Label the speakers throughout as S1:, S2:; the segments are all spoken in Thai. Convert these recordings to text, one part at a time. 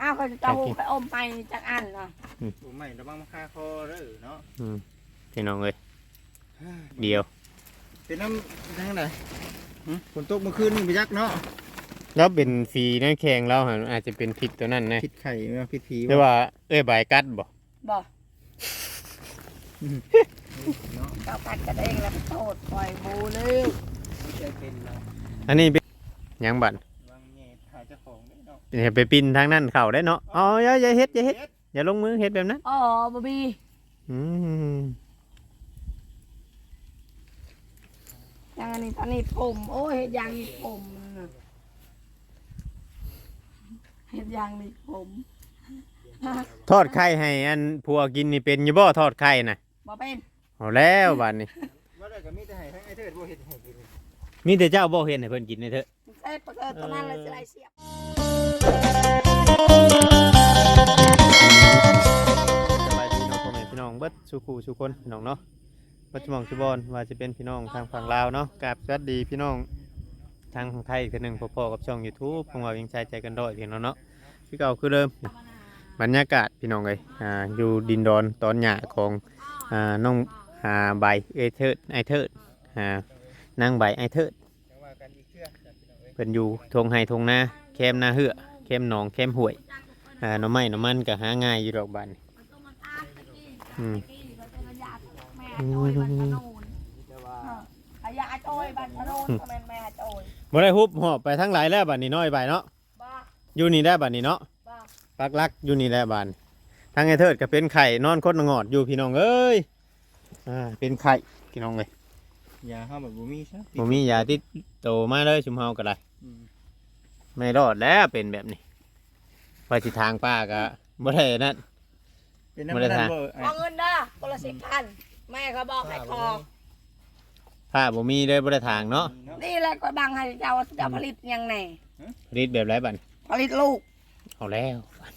S1: อ้าวเขาจะเอาไปอมไปจากอันเนาะ
S2: ผมไม่ระวังมาฆ่าคอเด้อเนาะ
S3: พี่น้องเลยเดียว
S2: เป็นน้ำทางไหนฝนตกเมื่อคืนนี่ไปยักเนาะ
S3: แล้วเป็นฝีนั่นแข็งเราอาจจะเป็นพิษตัวนั้นนะ
S2: พิษไข่พิษผี
S3: หรือว่าใบกัดบ่
S1: เจ้ากัดกันเองแล้วโทษปล่อยบูเลย
S3: อันนี้เป็นยังบั่นไปปินทางนั้นเข่าได้เนาะอ๋ออย่าเฮ็ดอย่าลงมือเฮ็ดแบบนั้น
S1: อ๋อบ๊อบบี้ยังอันนี้ตอนนี้ผมโอ้ยเฮ็ดยางนี่ผมเฮ็ดยางนี่ผม
S3: ทอดไข่ให้อันผัวกินนี่เป็นอยู่บ่ทอดไข่น่ะ
S1: บ่เป็น
S3: เอาแล้วบัดนี้
S2: ว่าได้ก็มีแต่ให้ทั้งไอ้เทิดบ่เฮ็ดให้กิน
S3: มีแต่เจ้าบ่เฮ็ดให้เพิ่นกินนี่เถอะ
S1: เฮ็ดประเกิดตอนนั้นเลยสิไล่เสียบ
S3: สบายดีเนาะพ่อแม่พี่น้องเบิดสุขุสุคนพี่น้องเนาะปัจจุบันบอนว่าจะเป็นพี่น้องทางฝั่งลาวเนาะกับสวัสดีพี่น้องทางไทยคนหนึ่งพอๆกับช่อง YouTube ของเรายังใช้ใจกันด้อยพี่น้องเนาะพี่เก่าคือเดิมบรรยากาศพี่น้องเลยอยู่ดินดอนตอนหญ้าของน้องใบไอเทิดนางใบไอเทิดเพิ่นอยู่ทงไฮทงนาแคมนาเหือแคมหนองแคมห่วยหน่อไม้หน่อมันก็หาง่ายอยู่ดอกบานบ่ได้ฮุบหอบไปทั้งหลายแล้วบัดนี้น้อยไปเนาะอยู่นี่ได้บัดนี้เนาะปักลักอยู่นี่ได้บัดทั้งไอ้เทิดก็เป็นไข่นอนคดงอดอยู่พี่น้องเอ้ยเป็นไข่พี่น้องเลย
S2: ยาเฮาแบบบ่มีซะ
S3: บ่มียาติดโตมาเลยชุมเฮาก็ได้ไม่รอดแล้วเป็นแบบนี้ไปสิทางป้าก็บ่ได้นั่น
S2: บ่ได้ทาง
S1: เอาเงินเด้อคนละ10,000แม่เขาบอกให้คอ
S3: ผ้าบ่มีเลยบ่ได้ทางเนาะ
S1: นี่แหละก็บังให้เจ้าผลิตยังไง
S3: ผลิตแบบไรบัด
S1: ผลิตลูก
S3: เอาแล้ว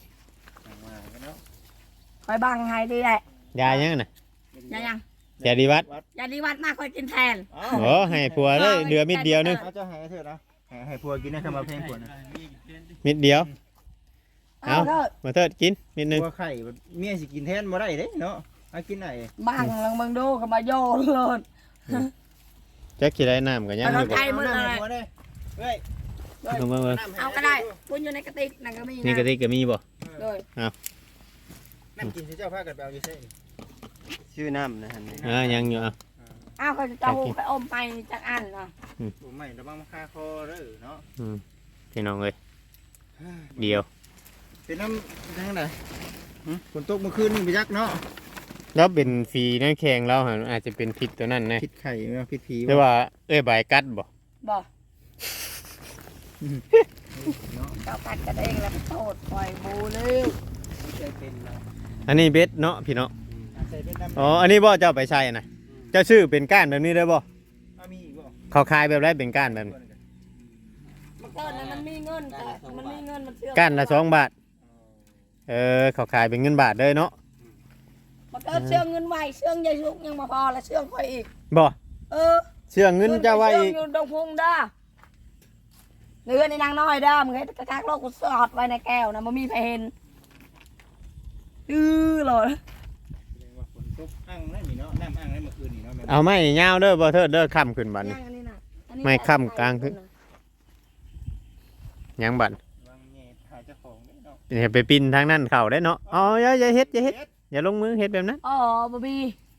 S1: คอยบังให้ดีแหละ
S3: ยายังน่ะ
S1: ยายัง
S3: ยาดีวัด
S1: มากคอยกินแทน
S3: โอ้ให้ผัวเลยเหลือมิดเดียวนึง
S2: เจ้าให้เถิดนะให้ผัวกินได้คำว่าเพลงผัวนะ
S3: มิดเดียวเอามาเถิดกินมิดนึง
S2: ผัวไข่เมียสิกินแทนบ่ได้เด้เนาะเอากินไหน
S1: บังลองมึงดูก็มาโยนเลย
S3: แจ็คกี่ได้น้ำกันยัง
S1: ไม่ได้มืออะไรเอาก็ได้ปุ้นอยู่ในกระติกนั่นก็มี
S3: นี่กระติกก็มีบ่
S1: เลย
S3: เอา
S2: น้ำกินที่เจ้าพากันไปเอาอยู่ใช่ชื่อน้ำนะฮะ
S3: ยังอยู่
S1: อ้าวเขาจะเอาไปอมไปจากอันเนาะ
S2: ผมไม่ระวังมาฆ่าคอเด้อเนาะ
S3: พี่น้องเลยเดียว
S2: เป็นน้ำทางไหนฝนตกเมื่อคืนนี่ไปยักเนาะ
S3: แล้วเป็นฝีนั่นแข็งเราอาจจะเป็นพิษตัวนั้นนะ
S2: พิษไข่พิษผี
S3: หรือว่าใบกัดบ่
S1: เจ้ากัดกันเองแล้วโทษปล่อยบูเลย
S3: อันนี้เบ็ดเนาะพี่เนาะอ๋ออันนี้บ่เจ้าไปใช่นะเจ้าชื่อเป็นก้านแบบนี้ได้บ่เขาขายแบบไรเป็นก้านแบบนี้
S1: มันมีเงินแต่มันมีเงินมันเชื่อ
S3: ก้านละ2 บาทเขาขายเป็นเงินบาทเลยเนาะ
S1: มันก็เชื่อเงินไว้เชื่อยายชุกยังมาพอแล้วเชื่อคอยอีก
S3: บ่เชื่อเงินเจ้าไว้อีก
S1: เชื่อดงพุงด้าเนื้อในนางน้อยด้ามึงให้กระชักโลกกูสอดไว้ในแก้วนะมันมีเพนเลย
S3: เอาไม่เงาเด้อบ่เถิดเด้อค่ำขึ้นบัดไม่ค่ำกลางขึ้นยังบัดไปปินทางนั้นเข่าได้เนาะอ๋ออย่าเฮ็ดอย่าลงมือเฮ็ดแบบนั้น
S1: อ๋อบ๊อบบี้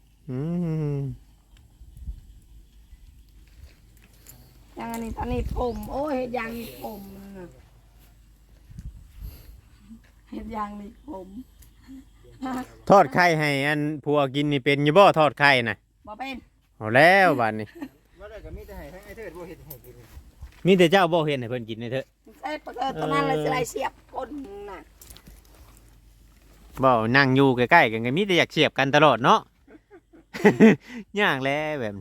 S1: ยังอันนี้ตอนนี้ผมโอ้ยเฮ็ดยางนี่ผมเฮ็ดยางนี่ผม
S3: ทอดไข่ให้อันผัวกินนี่เป็นอยู่บ่ทอดไข่น่ะ
S1: บ่เป็น
S3: เอาแล้วบัดนี้
S2: ว่าได้ก็มีแต่ให้ทั้งไอ้เทิดบ่เฮ็ดให้กิน
S3: มีแต่เจ้าบ่เฮ็ดให้เพิ่นกินนี่เถอะ
S1: เฮ็ดประเกิดตอนนั้นเลยสิไล่เสียบคนน่ะ
S3: บ่นั่งอยู่ใกล้ๆกันก็มีแต่อยากเสียบกันตลอดเนาะยากแล้วแบบ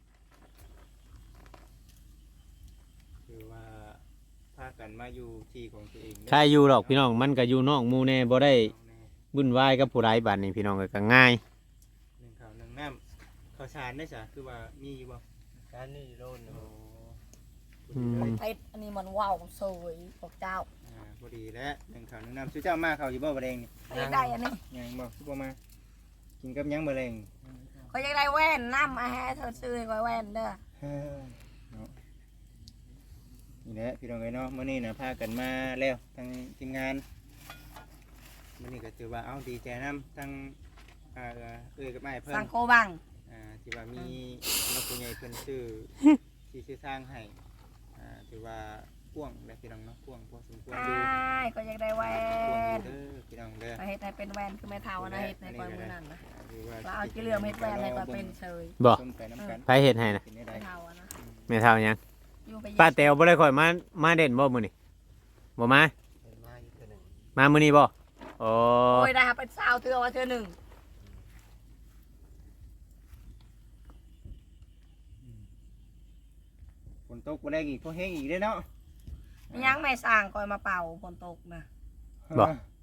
S2: คือว่าพากันมาอยู่ที่ของตัวเอง
S3: ใครอยู่หรอกพี่น้องมันก็อยู่นอกหมู่แน่บ่ได้วุ่นวายกับผู้ใดบัดนี้พี่น้องก็ง่าย
S2: 1ข้าว1น้ำข้าวสารได้จ้ะคือว่ามีอยู่บ่การนี่โลน
S1: เพชรอันนี้มันว้าวสวยพวกเจ้า
S2: พอดีแล้วหนึ่งข้าวหนึ่งน้ำชื่อเจ้ามาข้าวอยู่บ่บ่แดงนี่
S1: ก็อยากได้อันนี้
S2: ยังบ่คือบ่มากินกับหยังบ่แรง
S1: ก็อยากได้แว่นน้ำมาให้เธอซื้อให้แว่นเด้อ
S2: เฮ้ยเนาะนี่แหละพี่น้องเอ้ยเนาะมื้อนี้น่ะพากันมาแล้วทั้งทีมงานมื้อนี้ก็ถือว่าเอาดีใจนํทั้งกับไม้เพิ่น
S1: สังโกบัง
S2: ที่ว่ามีนักผู้ใหญ่เพิ่นซื้อที่ซื้อสร้างให้ถือว่าพ่วงและพี่น้องเนาะพ่วงพอสมควรอยู่
S1: ก็อยากได้แว่
S2: พ่วง
S1: น
S2: เด้อพี่น้องเด้อ
S1: มาเฮ็ดให้เป็นแว่นคือแม่เฒ่านะเฮ็ดในกอยมือนั่นนะ
S2: ถือว่า
S1: เราเอากี่เรื่องเฮ็ดแว่นให้กอยเป็นเฉย
S3: บ่
S2: ต้นไปน้ำกัน
S3: ไผเฮ็ดให้นะ
S2: กินได้ใด
S1: แม่เฒ่าอะนะ
S3: แม่เฒ่าหยัง
S1: อยู่ไป
S3: ป้าแต๋วบ่ได้ค่อยมาเด่นบ่มื้อนี้บ่มา
S2: เป็นมาอยู่ตัวหนึ่ง
S3: มามื้อนี้บ่โอ้
S1: โอ้ยได้ครับเป็นสาวเทื่อว่าเทื่อหนึ่ง
S2: ฝนตกบ่แรงอีกพอแห้งอีกเด้อเนาะ
S1: มียังไม่สร้างกอยมาเป่าฝนตกนะ
S3: บ่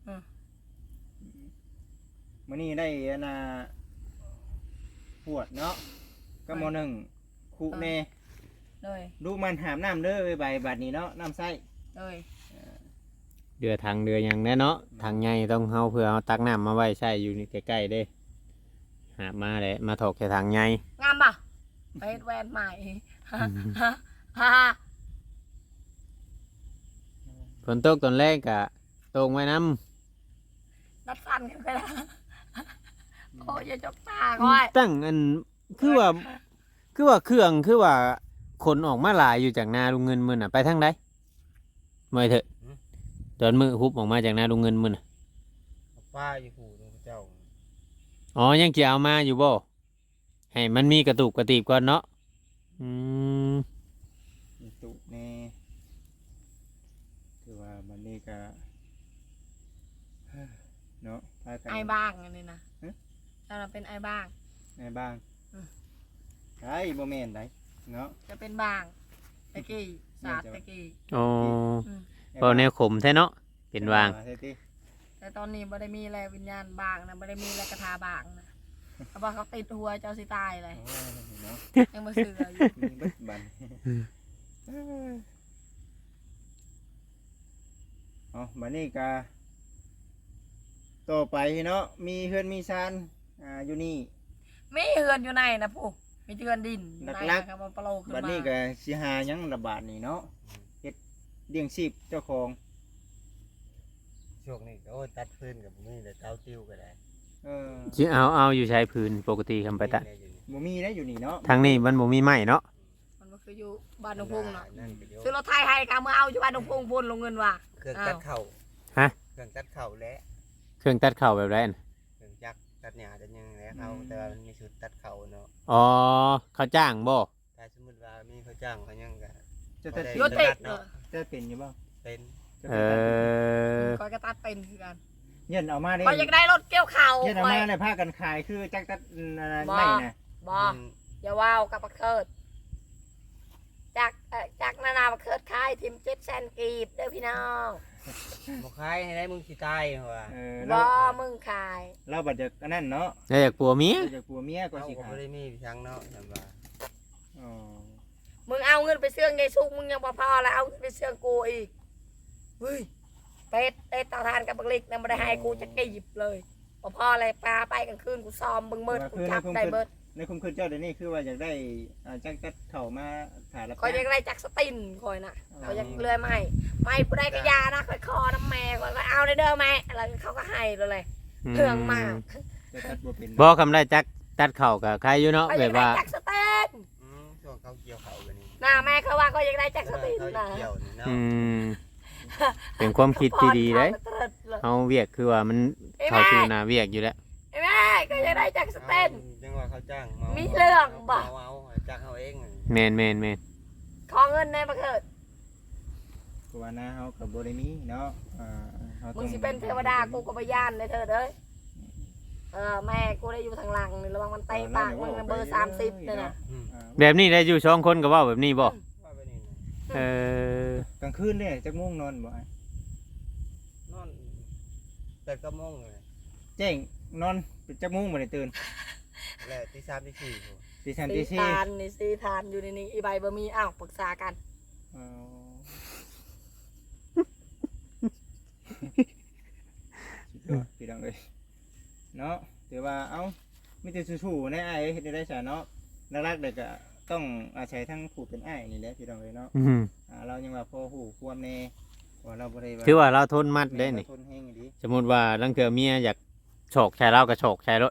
S2: มื้อนี้ได้อันน่ะปวดเนาะก็มหนึ่งคุแน่
S1: เลย
S2: ลูกมันหามน้ำเด้อใบบัดนี้เนาะน้ำใส่
S1: เลย
S3: เดือทางเดือหยังแน่เนาะทางใหญ่ต้องเฮาเพื่อเอาตักน้ำมาไว้ใช้อยู่นี่ใกล้ๆเด้หามาแหละมาถกแค่ทางใหญ่
S1: งามป่ะไปเฮ็ดแว่นใหม่ฮ่าฮ่าฮ่า
S3: ฝนตกตอนแรกก็ตกไว้น้
S1: นัดฟันกันไปแล้วโอ้ยอย่าจกตาก้อย
S3: ำตั้งอันคือว่าเครื่องคือว่าคนออกมาหลายอยู่จากนาลุงเงินมื้อน่ะไปทางใดเมื่อยเถอะตอนมือฮุบออกมาจากนาลุงเงินมื้อน่ะ
S2: ป้าอยู่หูเจ้า
S3: อ๋อยังจะเอามาอยู่บ่ให้มันมีกระตุกกระติบก่อนเนาะอืม
S2: ตุแน่คือว่ามันนี่ก็เนาะพากัน
S1: ไอ้บ้างอันนี้นะ
S2: ฮะ
S1: เราเป็นไอ้บ้าง
S2: ในบ้าง
S1: อืม
S2: ใช่บ่แม่นไดเนาะ
S1: จะเป็นบ้างตะกี้ศาสตร์ตะกี้
S3: อ๋อ
S1: อืม
S3: พอแนวขมแท้เนาะเป็นวาง
S2: ใช่ติ
S1: แต่ตอนนี้ไม่ได้มีอะไรวิญญาณบ้างนะไม่ได้มีอะไรกระทาบ้างนะเขาบอกเขาติดหัวเจ้าสิตายเลย
S2: โอ้ยเนาะ
S1: ยังมาเสืออยู่
S2: มีเบิดบันเอาบัดนี้ก็ต่อไปเนาะมีเฮือนมีซานอยู่นี่
S1: มีเฮือนอยู่ในนะผู้มีเฮือนดินอยู่ใน
S2: หลักๆ
S1: นะครับมันปลาโลขึ้น
S2: บัด
S1: มา
S2: นี้ก็สิหาหยังระบาดนี่เนาะเฮ็ดเลี้ยงชีพเจ้าของ
S4: ช่วงนี้ก็โอ้ยตัดฟืนกับนี่เลยเต้าติ้วก็ได้
S2: เออ
S3: สิเอาอยู่ใช้พื้นปกติคำไปตะ
S2: บ่มีได้อยู่นี่เนาะ
S3: ทางนี้มันบ่มีไม้เนาะ
S1: มันก็คืออยู่บ้านหนองพุ่งเนาะ
S4: นั่นก็โย
S1: ซื้อรถไทยให้กันเมื่อเอาอยู่บ้านหนองพุ่งพุ่นลงเงินว่ะ
S4: เครื่องตัดเข่า
S3: ฮะ
S4: เครื่องตัดเข่าและ
S3: เครื่องตัดเข่าแบบไรน่ะ
S4: เครื่องจักรตัดหญ้าตัดหยังแล้วเขาแต่ว่ามันมีชุดตัดเข่าเนาะ
S3: อ๋อเขาจ้างบ่
S4: ถ้าสมมติว่ามีเขาจ้างเขายังก็
S2: จะตัด
S1: โยติเออ
S2: จะเป็นอยู่บ่
S4: เป็น
S2: จะ
S3: เอ
S2: เป็นตัด
S3: อ
S1: ก็กระตัดเป็นคือกัน
S2: เงินเอามาได้
S1: ก็อยากได้รถเกี่ยวเข่า
S2: เงินเอา
S1: ไป
S2: มาได้พากันขายคือจักตัดอะไร
S1: บ่
S2: ไม่น่ะ
S1: บออย่าว่าวกับบักเคิดจากนานาบักเคิดขายทิม700,000กีบเด้อพี่น้อง
S4: บ่ขายให้ได้มึงสิตายเหรอวะ
S2: เออ
S1: บ่
S2: เรา
S1: มึงขาย
S2: เราบัดจากอันนั้นเนาะ
S3: แล้วอยากปัวเมีย
S2: เราจากผัวเมียก็
S4: เขา
S2: สิ
S4: ก็
S2: ขา
S4: บ่
S2: ย
S4: ได้มีทางเนาะจำว่า
S2: อ๋อ
S1: มึงเอาเงินไปเสื่องไงซุกมึงยังบ่พอแล้วเอาเงินไปเสื่องกูอีกเฮ้ยเป็ดเต่าทานกับบักลิกนั่นบ่ได้ให้กูจะกีบเลยบ่พอเลยปลาไปกลางคืนกูซ้อมเบิ่งเมิดกูจับได้เบิด
S2: ในคุมคืนเจ้าเดี๋ยวนี้คือว่าอยากได้จักตัดเข่ามาถ่ายรับ
S1: คอยยังได้จักสตินคอยน่ะเขายังเลื่อยไม่ผู้ใดก็ยานะคอยคอน้ำแม่คอยก็เอาได้เด้อแม่แล้วเขาก็ให้เลยเรื่องมาก
S2: จะตัดบ่เป็น
S3: บ่คำได้จักตัดเข่ากับใครอยู่เนาะ
S1: เขา
S3: แบ
S1: ยัง
S3: บ
S1: ได้
S3: ว่า
S1: จักสเต็น
S4: ช่วงเขาเกี่ยวเข่ากันนี่
S1: น่าแม่เขาว่าเขายังได้จักส
S4: เขา
S1: ตินนะ
S4: เกี่ยวนี่เนาะ
S3: อืมเป็นความคิดที่ดีเลย
S1: พรเขาเลย
S3: เฮาเวียกคือว่ามันเข้าสู่หน้าเวียกอยู่แล้ว
S1: ไอ้แม่ก็ยังได้จักสเต็น
S4: จังว่าเขาจ้างเมา
S1: มีเรื่องบ่
S4: เอาจ้างเขาเอง
S3: แม่น
S1: ขอเงินในประเกิด
S2: กูว่านะเฮากับบ่ได้มีเนาะเฮา
S1: มึ
S2: ต้
S1: ง
S2: อง
S1: สิเป็นเทวดากูก็ไปย่านเลยเธอเด้อแม่กูได้อยู่ทางหลังนี่ระวังมันเตะปากมึงนะเบอร์30เนี่ยนะ
S3: แบบนี้ได้อยู่2คนก็เว้าแบบนี้บ่
S4: ว่าไปนี่นะ
S3: เออก
S2: ลางคืนเนี่ยจักม่วงนอนบ่
S4: นอนแต่ก็มงเลย
S2: แจ้งนอนจักม่วงบ่ได้ตื่น
S4: แล้วที่3ที่4ผม
S2: ตี3ตี
S1: ทานนี่ซีทานอยู่ในนี้อีใบบะมีอ้าวปรึกษากัน
S2: 4 น้องเอ้ยเนาะถือว่าเอ้ามีแต่สู้ๆในอ้ายเฮ็ดได้ซะเนาะหลักๆเด็กก็ต้องอาศัยทั้งผู้เป็นอ้ายนี่แหละพี่น้องเอ้ยเนาะ
S3: อืม
S2: เรายังว่าพอฮู้ความแน่ว่าเราบ่ได้
S3: ถือว่าเราทนมัดได้นี่
S2: ทนแห้งดี
S3: สมมุติว่าลังเทื่อเมียอยากโฉกใช้เราก็โฉกใช้รถ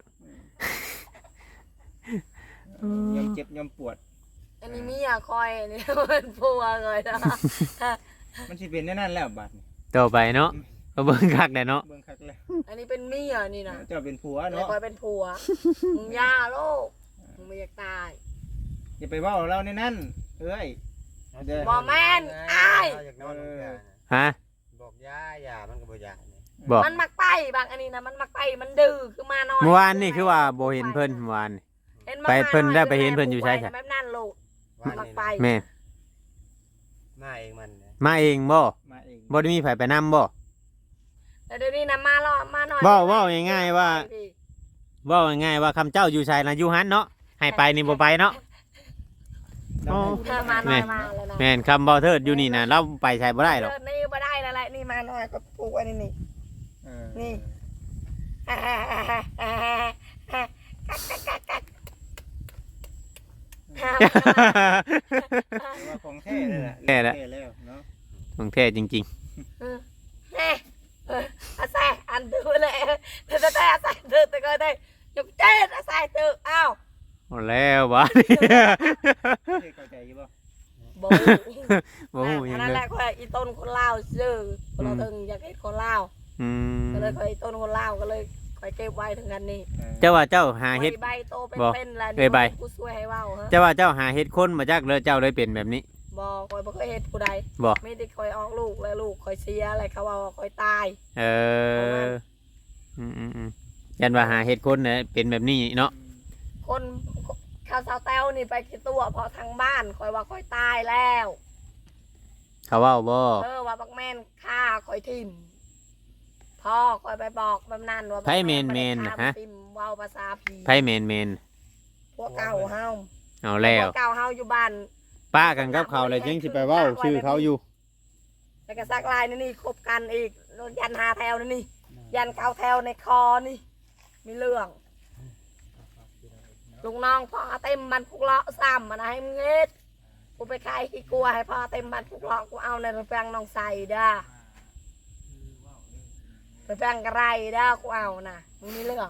S2: ยอมเจ็บยอมปวด
S1: อันนี้มีคอยนี่ มันพัวเลยนะ
S2: มันสิเป็นแน่นั่นแล้วบัดนี้
S3: ต่อไปเนาะก็เบิ่งคักได้เนาะ
S2: เบิ่งคักแล้ว
S1: อันนี้เป็นเมียนี่นะ
S2: เจ้าเป็นผัว
S1: แล้ว
S2: เนาะ
S1: คอยเป็นผัวมึงย่าโลกมึงไม่อยากตาย
S2: อย่าไปเว้าเราในนั้นเอ้ย
S1: บ่แม่นอ้าย
S4: อยากนอนกับยา
S3: ฮะ
S4: บอกยามันก็บ่ยาเนี่ย
S3: บอก
S1: มันมักไปบางอันนี้นะมันมักไปมันดื้อคือมานอน
S3: เมื่อวานนี่คือว่าบ่เห็นเพิ่นเมื่อวานนี่
S1: ห็น
S3: ไปเพิ่นได้
S1: มา
S3: ไปเห็นเพิ่นอยู่ใช่
S1: แบบนั้นโลก
S4: ว่า
S1: มัก
S4: นี่
S1: ไป
S4: นะ
S3: แม่
S4: มาเองมันเนี่ย
S3: มาเองบ่
S2: มาเอง
S3: บ่ได้มีไผไปนำบ่
S1: แต่เดี๋ยวนี้นะมาล่อมาหน่อย
S3: เว้าง่ายๆว่า เว้าง่ายๆว่าคำเจ้าอยู่ไสน่ะอยู่หันเนาะให้ไปนี่บ่ไปเนาะ อ๋อ
S1: เธอมาหน่อยมาแล้วนะ
S3: แม่นคำบ่เทิดอยู่นี่น่ะเราไปใช้บ่ได้หรอก
S1: เธนี่บ่ได้แล้วแหละนี่มาหน่อยก็ปลูกไว้นี่
S2: เออ
S1: นี่
S2: แต่ว่าของแท้เลยแหละ
S3: แท้แล้ว
S2: ท้แล้วเนาะ
S3: ของแท้จริง
S1: แน่อาศัยอันดูเลยแต่อาศัยเธอแต่ก็ได้ยกเจ็ดอาศัยเธออ้าว
S3: ๆเอาแล้วบ่นี่
S2: เคยเข้าใจอยู่บ่
S1: บ่
S3: บ่ฮู้หยัง
S1: นั่น
S3: เล
S1: แห
S3: ย
S1: ละก็อีต้นคนลาวซื้อคนเราถึงอยากเห็นคนลาว
S3: อืม
S1: ก็เลยคอยต้นคนลาวก็เลยคอยเก็บไว้ถึงกันนี่
S3: เจ้าว่าเจ้าหาเฮ็ด
S1: ใบโตเป็น
S3: บ่
S1: เป็นแล้ว
S3: เอ้ยใบ
S1: กูช่วยให้เว้าฮะ
S3: เจ้าว่าเจ้าหาเฮ็ดคนมาจากเลยเจ้าเลยเป็นแบบนี้
S1: บ่คอยบ่เคยเห็นผู้ใด
S3: บ่
S1: ไม่ได้คอยออกลูกแล้วลูกคอยเสียอะไรเขาว่าคอยตาย
S3: เออยันว่าหาเฮ็ดคนเนี่ยเป็นแบบนี้เนาะ
S1: คนข้าวสาวแต้วนี่ไปกี่ตัวเพอทางบ้านคอยว่าคอยตายแล้ว
S3: เขาเว้าบ่
S1: ว่าบักแม่นฆ่าคอยทิ่มพ่อคอยไปบอกบำนันว่า
S3: ไผแม่นๆ
S1: ฆ่า
S3: น่ะฮะ
S1: ทิ่มเว้าภาษาผี
S3: ไผแม่น
S1: พวกเก่าเฮา
S3: ๆเอาแล้ว
S1: พวกเก่าเฮาอยู่บ้าน
S3: ป้ากันกับเขาเลยยังสิไปเว้าชื่อเขาอยู่
S1: แล้วก็ซักลายนี่คบกันอีกยันหาแถวนี่ยันเกาแถวในคอนี่มีเรื่องลุงน้องพ่อเต็มบันพุกเลาะซ้ำมันให้มึงเอ็ดกูไปขายขี้กลัวให้พ่อเต็มบันพุกเลาะกูเอาในแปลงน้องใส่เด้อไปแปลงกระไรเด้อกูเอานะมึงมีเรื่อง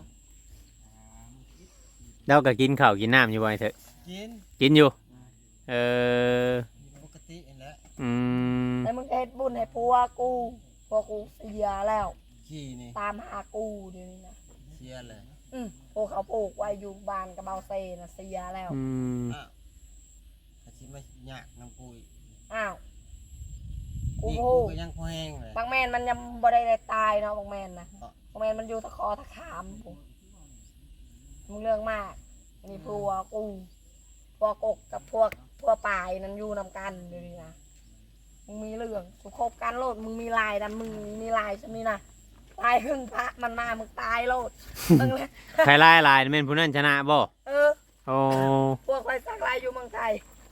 S3: เราก็กินข้าวกินน้ำอยู่บ่อยเถอะ
S4: กิน
S3: กินอยู่ เออ
S4: ปกตินั่นแหละ
S3: อืม
S1: แล้วมึงก็เฮ็ดบุญให้ผัวกูเสียแล้ว
S4: ขี้นี่
S1: ตามหากูเดี๋ยวนี้นะ
S4: เสียเลย
S1: พวกเขาปลูกไว้อยู่บ้านกระเบาเซนะเสียแล้ว
S3: อืม
S4: อ้าวอาชีพไม่ยากน้ำปุย
S1: อ้าวกู
S4: นี่
S1: พู
S4: กู
S1: ด
S4: ก็ยังพอแห้งเลย
S1: บางแมนมันยังบ่ได้ตายเนาะบางแมนนะบางแมนมันอยู่ตะคอตะขามกูมึงเรื่องมากอันนี้พวกกูพวกกกกับพวกปลายนั้นอยู่นำกันเดี๋ยวนี้นะมึงมีเรื่องกูคบกันโลดมึงมีลายดันมึงมีลายใช่ไหมนะลายครึ่งพระมันมามึงตายโลดมึงเลย
S3: ใครลายลายแม่นผู้นั้นชนะบ่
S1: เออ
S3: โอ้
S1: พวกคอยสักลายอยู่เมืองไทย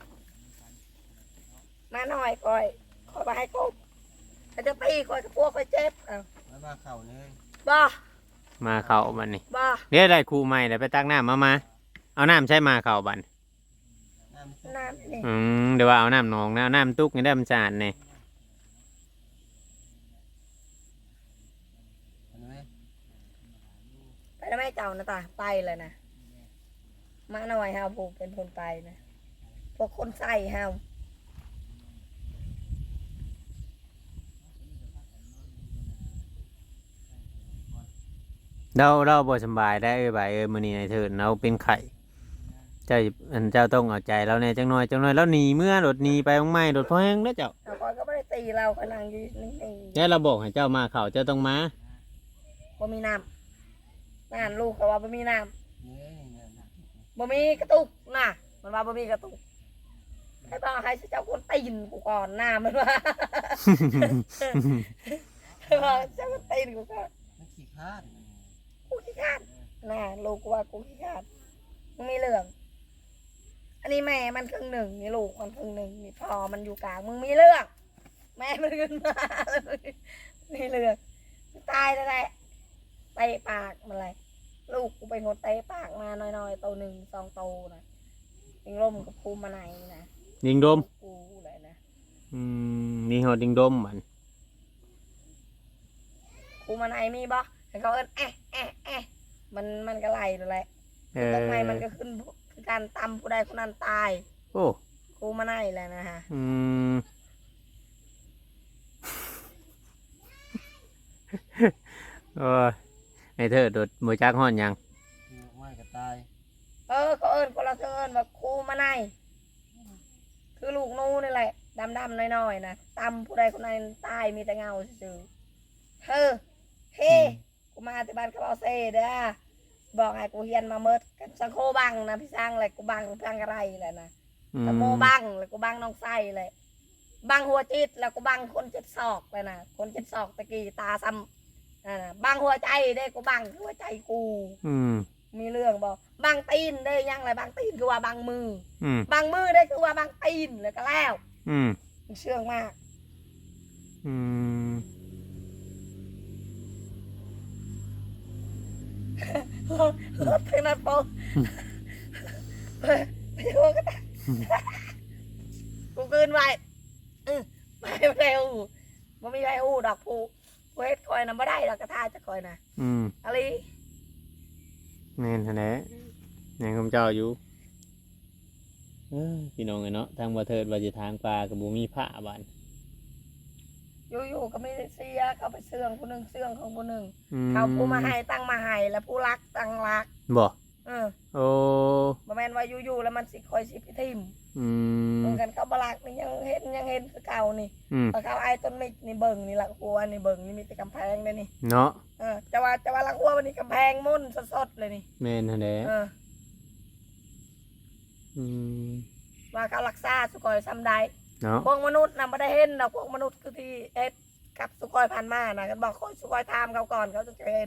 S1: มาหน่อยคอยไปให้ครบแต่จะตีคอยกับพวกคอยเจ็บอ้าว
S4: แล้วมาเข่าเนื้อ
S1: บ่
S3: มาเข้าบัดนี้
S1: บ่
S3: เดี๋ยวได้ครูใหม่เดี๋ยวไปตักน้ำมาเอาน้ำใช้มาเข้าบัด
S4: น้ำซุป
S1: น้ำนี่
S3: เดี๋ยวว่าเอาน้ำหนองนะเอาน้ำตุกนี่ได้มันสะอาดเนี่ย
S4: เห็นไหม
S1: ไปแล้วไม่เจ้านะตาไปเลยนะมาหน่อยเฮาผูกเป็นคนไปนะพวกคนใส่เฮา
S3: เราบ่สำบายได้มื้อนี้ไอ้เถิดเราเป็นไข้เจ้าต้องเอาใจเราแน่จังหน่อยแล้วหนีเมื่อรถหนีไปของไม่รถพอแห้งแล้วเจ้า
S1: เอาคอยก็ไม่ได้ตีเราคอยนั่งอยู่นิ่ง
S3: แล้วเราบอกให้เจ้ามาเข้าเจ้าต้องมา
S1: ๆบ่มีน้ำนั่นลูกเขาว่าบ่มีน้
S4: เนื้อนี่นะ
S1: ำบ่มีกระตุกน่ะมันว่าบ่มีกระตุกให้บอกให้เจ้าคนตีนกูก่อนหน้ามันว่า ให้บอกเจ้าคนตีนกูก่อน
S4: มันขี้คร้าด
S1: กูขี้ขาดน่ะลูกกูว่ากูขี้ขาดมึงมีเรื่อง อันนี้แม่มันครึ่งหนึ่งนี่ลูกมันครึ่งหนึ่งนี่พ่อมันอยู่กลางมึงมีเรื่อง แม่มันขึ้นมาเลยนี่เรื่องมึงตายแล้วแหละเตะปากมันเลยลูกกูเป็นคนเตะปากมาน้อยๆตัวหนึ่งสองตัวนะยิงลมกับภูมิมาไหนนะ
S3: ยิงดม
S1: กูเลยนะ
S3: นี่ฮอดยิงดมมัน
S1: ภูมิมาไหนมีบ่ให้เขาเอิ้นมันก็ไล่เลยแหละ ต้นไม้มันก็ขึ้นคือการตำผู้ใดคนนั้นตาย
S3: โอ้
S1: ครูมาไนแหละนะฮะ
S3: โอ้ยไอ้เธอโดดมือจักฮ้อนหยัง
S4: ไม่ก็ตาย
S1: เขาเอิญคนละเอิญว่าครูมาไนคือลูกนูนี่แหละดำๆน้อยๆนะตำผู้ใดคนนั้นตายมีแต่เงาซื่อๆเฮ้กูมาที่บ้านเขาเอาเซ่เด้อบอกให้กูเฮียนมาเมิดกันสังโคบังนะพี่สร้างอะไรกูบังอะไรแหละนะตะโมบังแล้วกูบังน้องไส้เลยบังหัวจิตแล้วกูบังคนเจ็ดศอกเลยนะคนเจ็ดศอกตะกี้ตาซ้ำบังหัวใจได้กูบังหัวใจกู มีเรื่องบอกบังตีนได้ยังไรบังตีนคือว่าบังมือบังมือได้คือว่าบังตีนเลยก็แล้วเชื่องมากรถทางนั้นโป๊ไปโยก็ได้กูคืนไว้ไปเร็วมันไม่ไปอู้ดอกผูเวทคอยนะไม่ได้ดอกกระทาจะคอยนะอะไร
S3: แม่นหั่นแหละยังคำเจ้าอยู่พี่น้องเนาะทางบ่เทิดว่าสิทางปลาก็บ่มีผ้าบ้าน
S1: อยู่ๆก็ไม่ได้เสียเขาไปเสื่องผู้หนึ่งเสื่องของผู้หนึ่งเขาผู้มาให้ตั้งมาให้แล้วผู้รักตั้งรัก
S3: บ่
S1: โอ้บ่แม่นว่าอยู่ๆแล้วมันสิคอยสิพิทิมเหมือนกันเขาบลักนี่ยังเห็นคือเก่านี่พอเขาไอ้ต้นมิกนี่เบิ่งนี่หลักหัวนี่เบิ่งนี่มีแต่กำแพงเลยนี่
S3: เนาะ
S1: จะว่าหลักหัววันนี้กำแพงมุ่นสดๆเลยนี่
S3: แม่นหั่นแหละ
S1: ว่าเขารักษาสุกอยซ้ำใด
S3: เนาะ
S1: พวกมนุษย์น่ะไม่ได้เห็นดอกพวกมนุษย์คือที่เอ็ดกับสุกอยผ่านมานะกันบอกสุกอยทามเขาก่อนเขาจะเห็น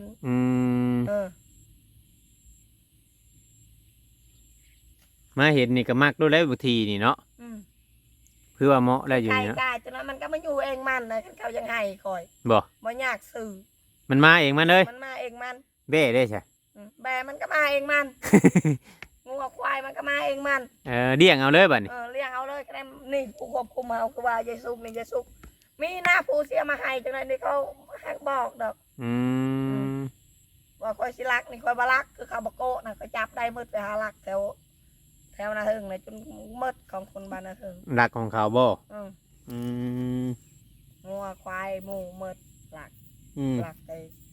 S3: มาเห็นนี่ก็มักดูแล้วบางทีนี่เนาะเพื่อว่าเหมาะได้อยู่
S1: เนาะไก่จนนั้นมันก็ไม่อยู่เองมันนะเขายังให้คอยบ่ยากสื่อ
S3: มันมาเองมันเลย
S1: มันมาเองมัน
S3: เบ้ได้ใช่
S1: แบมันก็มาเองมันงูควายมันก็มาเองมัน
S3: เลี้ยงเอาเลยบัดนี้
S1: เลี้ยงเอาเลยก็ได้นี่ผู้ควบคุมเอาคือว่าเยซูนี่เยซูมีหน้าผู้เสียมาให้จังเลยนี่เขาบอกดอกว่าคอยสิลักนี่คอยบาลักคือเขาบโก้นะเขาจับได้มืดไปหาลักแถวนาเทิงเลยจนมืดของคนบ้านนาเทิง
S3: ลักของเขาบ่
S1: งูควายหมูมืดลักไป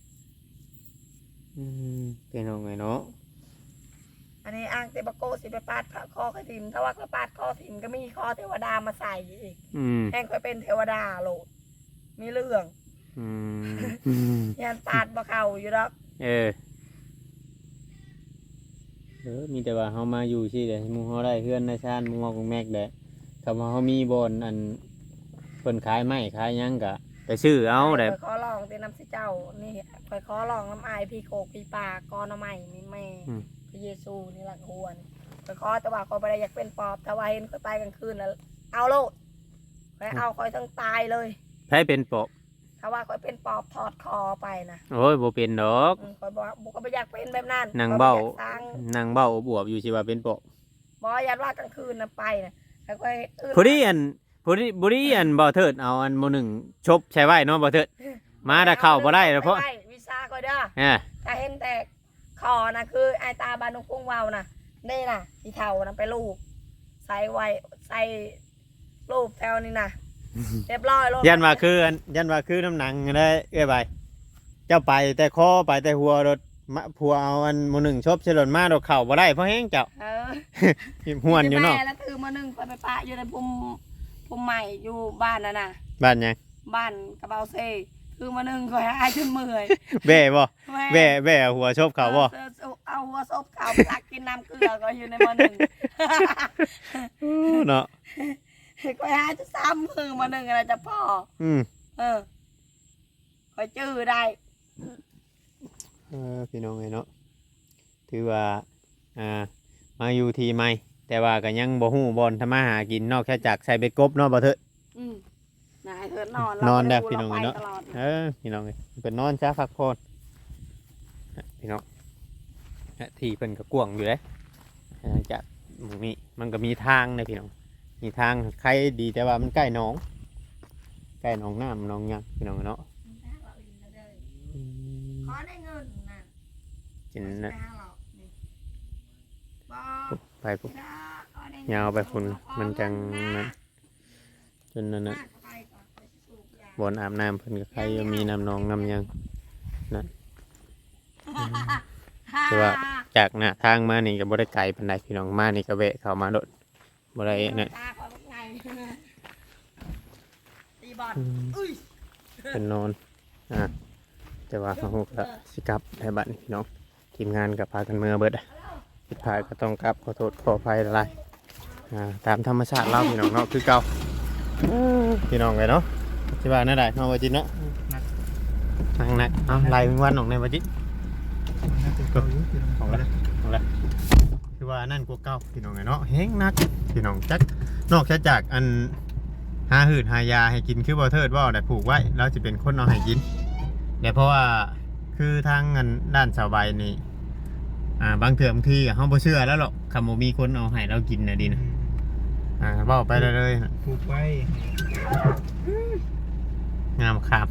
S3: เป็นยังไงเนาะ
S1: อันนี้อ้างเตบโก้สิไปปาดคอถิ่มถ้าว่าเขาปาดคอถิ่มก็มีคอเทวดามาใส่อีกแห้งค่อยเป็นเทวดาโหลดมีเรื่องยันปาดบ่เข่าอยู่ดอก
S3: มีแต่ว่าเขามาอยู่ที่เดี๋ยวมูเขาได้เพื่อนในชาติมูของแม็กเด้ถ้าว่าเขามีบอลอันเพิ่นขายไม้ขายยังกะไปซื้อเอาได้
S1: ขอลองตีน้ำสิเจ้านี่คอยขอลองน้ำอายพี่โคกพี่ปลากอน้ำใหม่นี่แม่พระเยซูนี่หลักหัวนี่คอยขอแต่ว่าคอยไปอยากเป็นปอบถ้าว่าเห็นคอยไปกลางคืนแล้วเอาโลดคอยเอาคอยทั้งตายเลย
S3: ใช่เป็นปอบ
S1: ถ้าว่าคอยเป็นปอบถอดคอไปนะ
S3: โอ้ยบ่เป็นดอก
S1: คอยบอกบุกไปอยากเป็นแบบนั้น
S3: นางเบ้าบวบอยู่สิว่าเป็นปอบ
S1: บ่อยากว่ากลางคืนนะไปนะแล้วคอย
S3: ผู้ดีอันบ่เถิดเอาอันโมหนึ่งชบใช้ไว้เนาะบ่เถิดมาแต่เข้าบ่ได้เพราะ
S1: วิซ่าคอยเด้อถ้าเห็นแต่คอนะคือไอตาบานุกุ้งวาวนะนี่นะที่เท่านะไปลูกใส่ไว้ใส่รูปแถวนี้นะเรียบร้อยลง
S3: ยันว่าคือน้ำหนังได้ใบเจ้าไปแต่คอไปแต่หัวรถผัวเอาอันโมหนึ่งชบเฉลิมมาดอกเข่าบ่ได้เพราะแห้งเจ้าห่วนอยู่เนาะ
S1: แล้วถือโมหนึ่งไปปะอยู่ในพุ่มใหม่อยู่บ้านน่ะ
S3: บ้านยัง
S1: บ้านกระเบาเซ่คือโมหนึ่งคอยหายจนเมื่อย
S3: แบ่บ่แบ่หัวชบเข่าบ่
S1: เอาหัวชบเข่าตักกินน้ำเกลือก็อยู่ในโมหนึ่ง
S3: เนาะ
S1: คอยหายจะซ้ำมือโมหนึ่งอะไรจะพ่อคอยจื้อได้
S3: พี่น้องไงเนาะถือว่ามาอยู่ทีใหม่แต่ว่าก็ยังบ่ฮู้บ่อนทำมาหากินนอกจากใส่เบ็ดกบเนาะบ่เถิด
S1: นายเถิดนอน
S3: นอนได้พี่น้องเนาะพี่น้องเป็นนอนช้าพักผ่อนพี่น้องที่เพิ่นก็กว้างอยู่เลยจากหมู่นี้มันก็มีทางนะพี่น้องมีทางใครดีแต่ว่ามันใกล้หนองใกล้หนองน้ำหนองหยังพี่น้องเนาะ
S1: ขอได้เงินนะ
S3: จินนะ
S1: บ่
S3: ไปปุ๊บยาวไปฝุ่นมันจังนั้นจนนั่นน่ะบอนอาบน้ำเพิ่นก็ใครมีน้ำหนองน้ำหยังนั่นคือว่าจากหน้าทางมานี่ก็บ่ได้ไกลปานใดพี่น้องมานี่ก็แวะเข้ามาโดดบ่ได้นั่น
S1: ตีบอลอุ้ย
S3: เป็นนอนแต่ว่าเขาก็สิกลับให้บัดนี้พี่น้องทีมงานกับพากันเมื่อเบิดผิดพลาดก็ต้องกลับขอโทษขออภัยหลายตามธรรมชาติเราพี่น้องเนาะคือเก่าพี่น้องเลยเนาะที่ว่านั่นได้เนาะว่าจิเนาะนั่งนักเอาไล่วันของในว่าจิของละคือว่านั่นกว่าเก่าพี่น้องเลยเนาะเฮงนักพี่น้องจักนอกจากอันหาหืดหายาให้กินคือบ่เทิดว่าได้ผูกไว้แล้วจะเป็นคนเอาให้กินแต่เพราะว่าคือทางเงินด้านสาวใบนี่บางเถื่อบางทีเขาบ่เชื่อแล้วหรอกคำว่ามีคนเอาให้เรากินนะดีนะเบ้าไปเลย
S2: ผูกไว้
S3: งามครับ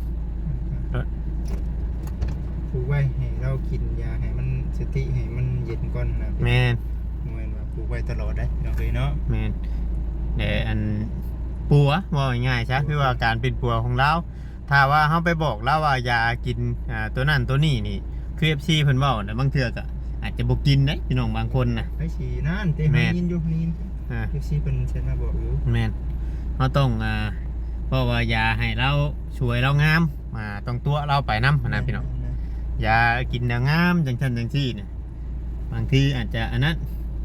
S2: ผูกไว้ให้เรากินยาให้มันสติให้มันเย็นก่อนนะ
S3: แมน
S2: เหมือนว่าผูกไว้ตลอดได้เราเคยเนาะ
S3: แมนเดี๋ยวอันปัวว่าง่ายๆใช่คือว่าการเป็นปัวของเราถ้าว่าเขาไปบอกเราว่าอย่ากินตัวนั้นตัวนี้นี่คือ FC เพิ่นเว้าแต่บางเทื่อก็อาจจะบ่กินได้พี่น้องบางคนนะ
S2: ไอ้ฉีนั่นเต้ให้ยินอยู่นี่เอฟซีเป็นเชนมาบอกอยู่
S3: แมนเขาต้องเพราะว่าอย่าให้เราช่วยเรางามต้องตัวเราไปน้ำนะพี่น้องอย่ากินงามจังชันจังที่เนี่ยบางทีอาจจะอันนั้น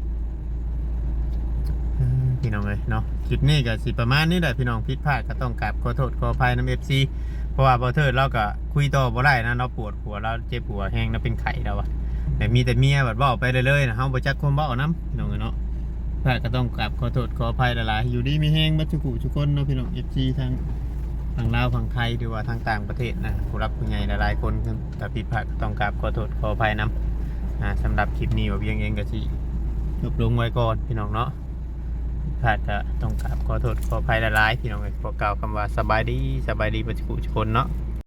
S3: พี่น้องเลยเนาะคลิปนี้ก็สิประมาณนี้แหละพี่น้องผิดพลาดก็ต้องกราบขอโทษขออภัยน้ำ FC เพราะว่าบ่เทิดเราก็คุยต่อบ่ได้นะเราปวดหัวเราเจ็บหัวแห้งเราเป็นไข้แล้วอะแต่มีแต่เมียแบบเว้าไปเลยๆนะเฮาบ่จักความเว้านํพี่น้องเนาะพลาดก็ต้องกราบขอโทษขออภัยหลายๆอยู่ดีมีแห้งบัดทุกคนเนาะพี่น้อง FC ทางลาวฝั่งไทยหรือว่าทางต่างประเทศนะผู้รับผู้ใหญ่หลายๆคนถ้าผิดพลาดก็ต้องกราบขอโทษขออภัยนํสำหรับคลิปนี้ว่าเพียงเองก็สิจบลงไว้ก่อนพี่น้องเนาะพลาดก็ต้องกราบขอโทษขออภัยหลายๆพี่น้องขอกล่าวคำว่าสบายดีบัดทุกคนเนาะ